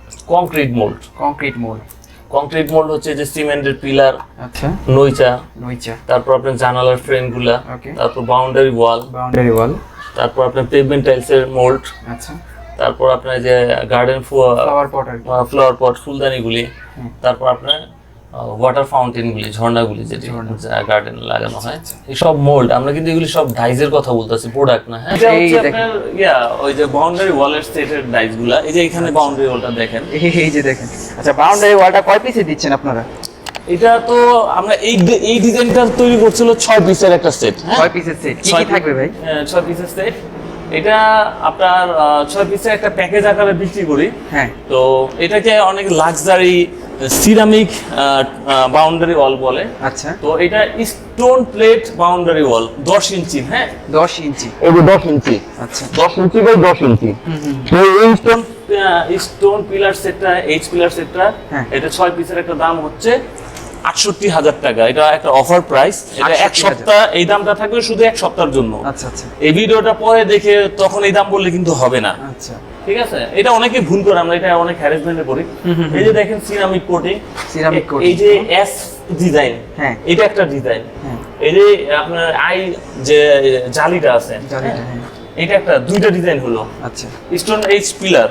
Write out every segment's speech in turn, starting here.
Concrete mould. Concrete mould হচ্ছে যে সিমেন্টের পিলার, আচ্ছা, নইচা, নইচা, তারপর আপনার জানালার ফ্রেমগুলা, ওকে, তারপর বাউন্ডারি ওয়াল, তারপর আপনার পেভমেন্ট টাইলসের মোল্ড, আচ্ছা, তারপর আপনার যে গার্ডেন ফ্লাওয়ার পট ফুলদানিগুলি, তারপর আপনার ওয়াটার ফাউন্টেনগুলি, ঝর্ণাগুলি যেটি গার্ডেনে লাগানো হয়, এই সব মোল্ড। আমরা কিন্তু এগুলি সব ডাইজের কথা বলতেছি, প্রোডাক্ট না। হ্যাঁ, এটা হচ্ছে আপনার ওই যে বাউন্ডারি ওয়ালের সেটের ডাইজগুলা। এই যে এখানে বাউন্ডারি ওয়ালটা দেখেন, এই যে দেখেন। আচ্ছা, বাউন্ডারি ওয়ালটা কয় পিসে দিচ্ছেন আপনারা? এটা তো আমরা এই ডিজাইনটা তৈরি করছিল 6 পিসের একটা সেট। 6 পিসের সেট কি কি থাকবে ভাই? 6 পিসের সেট। এটা আপনার 6 পিসের একটা প্যাকেজ আকারে বিক্রি করি। হ্যাঁ, তো এটাকে অনেক লাক্সারি সিরামিক বাউন্ডারি ওয়াল বলে। আচ্ছা, তো এটা stone plate boundary wall 10 inch. হ্যাঁ, 10 ইঞ্চি। এই 10 ইঞ্চি। আচ্ছা, 10 ইঞ্চি বাই 10 ইঞ্চি। তো এই স্টোন পিলার সেটটা, এইচ পিলার সেটটা, এটা 6 পিসের একটা দাম হচ্ছে ৬৮,০০০ টাকা। এটা একটা অফার প্রাইস। এটা এক সপ্তাহ এই দামটা থাকবে শুধু এক সপ্তাহের জন্য। আচ্ছা আচ্ছা, এই ভিডিওটা পরে দেখে তখন এই দাম বললে কিন্তু হবে না। আচ্ছা, ঠিক আছে, এটা অনেকে ভুল করে, আমরা এটা অনেক হ্যারাসমেন্টে করি। এই যে দেখেন সিরামিক কোটিং, এই যে এস ডিজাইন, হ্যাঁ, এটা একটা ডিজাইন। এই যে আপনার আই যে জালিটা আছে, এটা একটা দুইটা ডিজাইন হলো। আচ্ছা, স্টোন এইচ পিলার,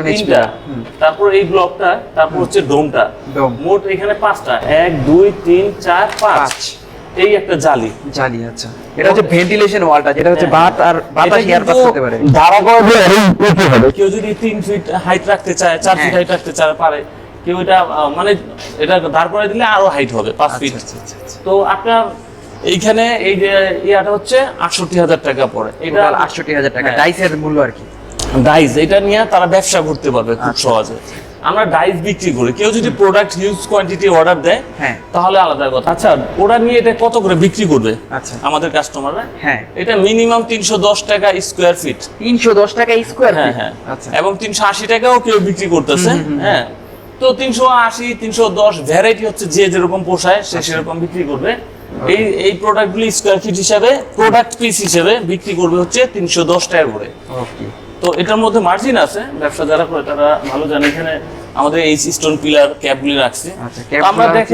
তারপর এই ব্লকটা, তারপর হচ্ছে ডোমটা, মোট এখানে 5টা, 1 2 3 4 5, এই একটা জালি। আচ্ছা, এটা হচ্ছে ভেন্টিলেশন ওয়ালটা, যেটা হচ্ছে বাতাস এয়ার পাস করতে পারে। দাঁড়া করে দিয়ে অ্যারেঞ্জ করতে হবে। কেউ যদি 3 ফিট হাইট রাখতে চায়, 4 ফিট হাইট রাখতে চায় পারে। কেউ এটা মানে এটা দাঁড় করে দিলে আরো হাইট হবে 5 ফিট। তো আপনার এইখানে এই যে ইয়াটা হচ্ছে ৬৮,০০০ টাকা পড়ে। এটা ৬৮,০০০ টাকা ডাইসের মূল্য আর কি। ডাইস এটা নিয়ে তারা ব্যবসা করতে পারবে খুব সহজে। আমরা ডাইস বিক্রি করি। কেউ যদি প্রোডাক্ট হিউজ কোয়ান্টিটি অর্ডার দেয়, তাহলে আলাদা কথা। আচ্ছা, ওরা নিয়ে এটা কত করে বিক্রি করবে আমাদের কাস্টমাররা? হ্যাঁ, এটা মিনিমাম ৩১০ টাকা স্কয়ার ফিট। ৩১০ টাকা স্কয়ার ফিট? হ্যাঁ, আচ্ছা, এবং ৩৮০ টাকাও কেউ বিক্রি করতেছে। হ্যাঁ, তো ৩৮০ ৩১০ ভ্যারাইটি হচ্ছে, যে যেরকম পোষায় সে সেরকম বিক্রি করবে। এই প্রোডাক্টগুলি স্কয়ার ফিট হিসাবে, প্রোডাক্ট পিস হিসাবে বিক্রি করবে হচ্ছে ৩১০ টাকা করে। ওকে, তো এটার মধ্যে মার্জিন আছে, ব্যবসা যারা করে তারা ভালো জানে। এখানে আমাদের এই স্টোন পিলার ক্যাপগুলি রাখছে। আমরা দেখি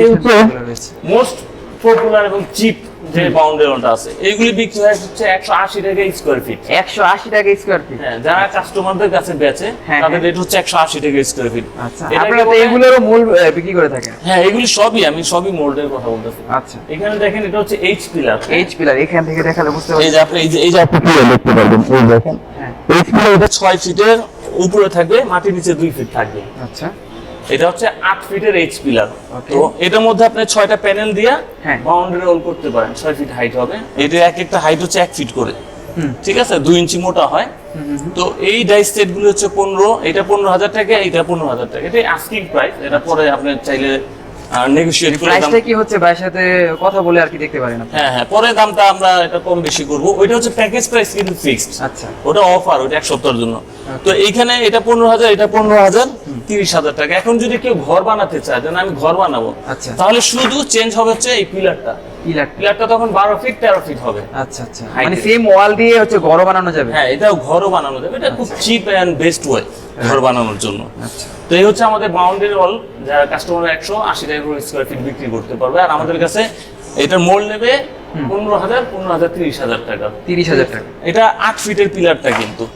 মোস্ট পপুলার এবং চিপ যে বাউন্ডারি ওয়ালটা আছে, এইগুলি বিক্রি হয় হচ্ছে ১৮০ টাকা স্কয়ার ফিট। ১৮০ টাকা স্কয়ার ফিট? হ্যাঁ, যারা কাস্টমারদের কাছে বেচে তাদের রেট হচ্ছে ১৮০ টাকা স্কয়ার ফিট। আচ্ছা, আপনারা তো এগুলোরও মূল বিক্রি করে থাকেন? হ্যাঁ, এগুলি আমি সবই মোল্ডের কথা বলতেছি। আচ্ছা, এখানে দেখেন এটা হচ্ছে এইচ পিলার। এখান থেকে দেখালে বুঝতে পারবেন। এই যে আপনি এই যে আপনি পিলার দেখতে পারবেন, এই দেখেন এইচ পিলার। এটা 6 ফিটের উপরে থাকবে, মাটির নিচে 2 ফিট থাকবে। আচ্ছা, এটা হচ্ছে 8 ফিটের এইচ পিলার। তো এটার মধ্যে আপনি 6টা প্যানেল দিয়ে বাউন্ডারি ওয়াল করতে পারেন। 6 ফিট হাইট হবে। এটা একটা হাইট হচ্ছে 1 ফিট করে। ঠিক আছে, 2 ইঞ্চি মোটা হয়। তো এই ডাইস সেট গুলো হচ্ছে 15, এটা 15,০০০ টাকা, এটা 15,০০০ টাকা। এটা আস্কিং প্রাইস। এটা পরে আপনি চাইলে নেগোশিয়েট করে প্রাইসটা কি হচ্ছে ভাইয়ের সাথে কথা বলে আর কি দেখতে পারেন আপনি? হ্যাঁ, পরে দামটা আমরা এটা কম বেশি করব। ওইটা হচ্ছে প্যাকেজ প্রাইস, কিন্তু ফিক্সড। আচ্ছা, ওটা অফার, ওটা এক সপ্তাহের জন্য। তো এইখানে এটা 15,০০০, এটা 15,০০০, 30,০০০ টাকা। এখন যদি কেউ ঘর বানাতে চায়, যেন আমি ঘর বানাবো, তাহলে শুধু চেঞ্জ হবে হচ্ছে এই পিলারটা তখন 12 ফিট 13 ফিট হবে। আচ্ছা আচ্ছা, মানে সেম ওয়াল দিয়ে হচ্ছে ঘর বানানো যাবে? হ্যাঁ, এটাও ঘরও বানানো যাবে। এটা খুব চিপ এন্ড বেস্ট ওয়ে ঘর বানানোর জন্য। আচ্ছা, তো এই হচ্ছে আমাদের বাউন্ডারি ওয়াল, যারা কাস্টমার ১৮০ টাকা করে স্কয়ার ফিট বিক্রি করতে পারবে। আর আমাদের কাছে এটার মোল্ড নেবে 15,০০০, 15,০০০, 30,০০০ টাকা। 30,০০০ টাকা। এটা 8 ফিটের পিলারটা কিন্তু